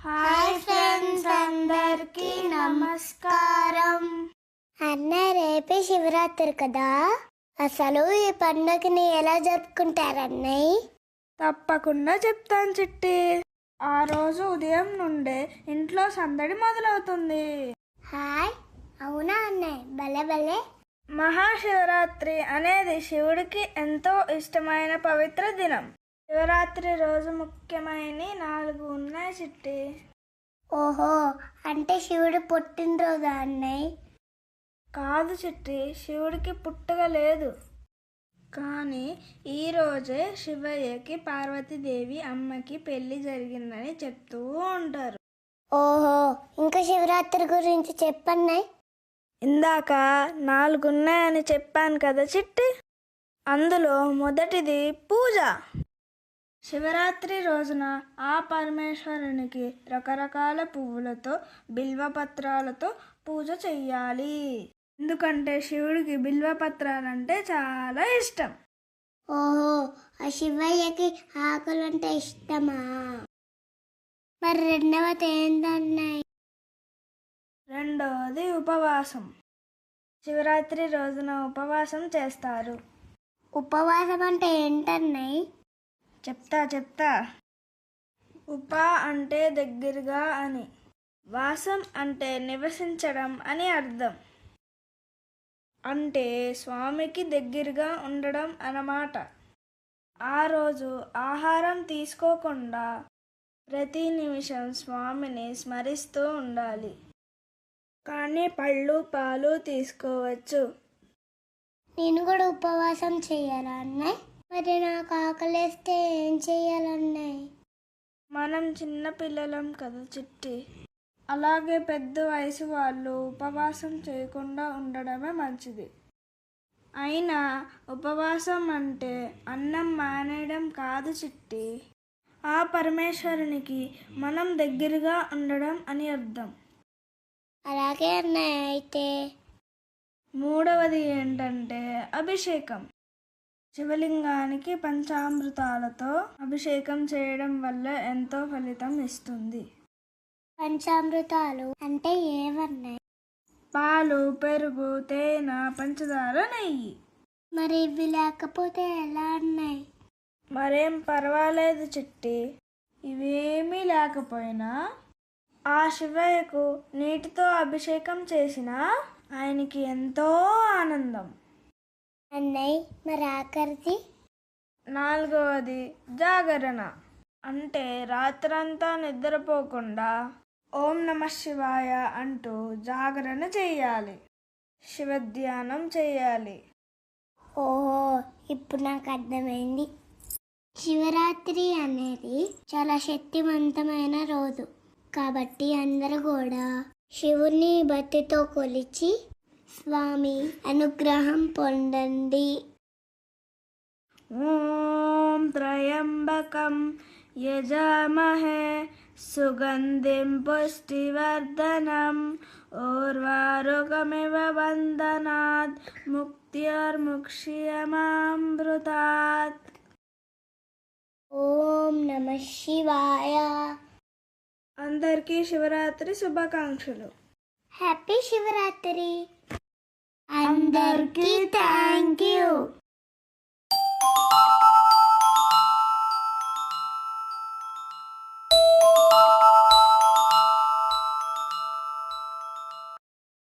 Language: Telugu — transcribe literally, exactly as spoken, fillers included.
హాయ్ ఫ్రెండ్స్, అందరికీ నమస్కారం. అన్న, రేపే శివరాత్రి కదా, అసలు ఈ పండుగని ఎలా జరుపుకుంటారన్నయ్య? తప్పకుండా చెప్తాను చిట్టి. ఆ రోజు ఉదయం నుండే ఇంట్లో సందడి మొదలవుతుంది. హాయ్, అవునా అన్నయ్య? భలే భలే. మహాశివరాత్రి అనేది శివుడికి ఎంతో ఇష్టమైన పవిత్ర దినం. శివరాత్రి రోజు ముఖ్యమైన నాలుగు ఉన్నాయి చిట్టి. ఓహో, అంటే శివుడు పుట్టినరోజా అన్నయ్య? కాదు చిట్టి, శివుడికి పుట్టుక లేదు. కానీ ఈరోజే శివయ్యకి పార్వతీదేవి అమ్మకి పెళ్లి జరిగిందని చెప్తూ ఉంటారు. ఓహో, ఇంకా శివరాత్రి గురించి చెప్పన్నయ్య. ఇందాక నాలుగున్నాయని చెప్పాను కదా చిట్టి, అందులో మొదటిది పూజ. శివరాత్రి రోజున ఆ పరమేశ్వరునికి రకరకాల పువ్వులతో బిల్వపత్రాలతో పూజ చెయ్యాలి. ఎందుకంటే శివుడికి బిల్వపత్రాలంటే చాలా ఇష్టం. ఓహో, ఆ శివయ్యకి ఆకులంటే ఇష్టమా? మరి రెండవది ఏంటన్నయ్య? రెండవది ఉపవాసం. శివరాత్రి రోజున ఉపవాసం చేస్తారు. ఉపవాసం అంటే ఏంటన్నయ్య? చెప్తా చెప్తా ఉప అంటే దగ్గరగా అని, వాసం అంటే నివసించడం అని అర్థం. అంటే స్వామికి దగ్గరగా ఉండడం అన్నమాట. ఆ రోజు ఆహారం తీసుకోకుండా ప్రతి నిమిషం స్వామిని స్మరిస్తూ ఉండాలి. కానీ పళ్ళు పాలు తీసుకోవచ్చు. నేను కూడా ఉపవాసం చేయాలా అన్నయ్య? మరి నాకు ఆకలేస్తే ఏం చెయ్యాలన్నయ్య? మనం చిన్న పిల్లలం కదా చిట్టి, అలాగే పెద్ద వయసు వాళ్ళు ఉపవాసం చేయకుండా ఉండడమే మంచిది. అయినా ఉపవాసం అంటే అన్నం మానేయడం కాదు చిట్టి, ఆ పరమేశ్వరునికి మనం దగ్గరగా ఉండడం అని అర్థం. అలాగే అన్నయ్య. అయితే మూడవది ఏంటంటే అభిషేకం. శివలింగానికి పంచామృతాలతో అభిషేకం చేయడం వల్ల ఎంతో ఫలితం ఇస్తుంది. పంచామృతాలు అంటే ఏమన్నాయి? పాలు, పెరుగు, తేనె, పంచదార, నెయ్యి. మరి ఇవి లేకపోతే ఎలా అన్నాయి? మరేం పర్వాలేదు చిట్టి, ఇవేమీ లేకపోయినా ఆ శివయ్యకు నీటితో అభిషేకం చేసినా ఆయనకి ఎంతో ఆనందం. అన్నయ్య, మరి ఆఖరిది? నాలుగవది జాగరణ. అంటే రాత్రంతా నిద్రపోకుండా ఓం నమః శివాయ అంటూ జాగరణ చెయ్యాలి, శివధ్యానం చెయ్యాలి. ఓహో, ఇప్పుడు నాకు అర్థమైంది. శివరాత్రి అనేది చాలా శక్తివంతమైన రోజు కాబట్టి అందరూ కూడా శివుని భక్తితో కొలిచి స్వామి అనుగ్రహం పొందండి. ఓం త్రయంబకం యజామహే సుగంధిం పుష్టివర్ధనం ఉర్వారుకమివ వందనాత్ ముక్త్యర్ముక్ష్యమామృతాత్. ఓం నమః శివాయ. అందరికీ శివరాత్రి శుభాకాంక్షలు. హ్యాపీ శివరాత్రి. అందరికీ థ్యాంక్ యూ.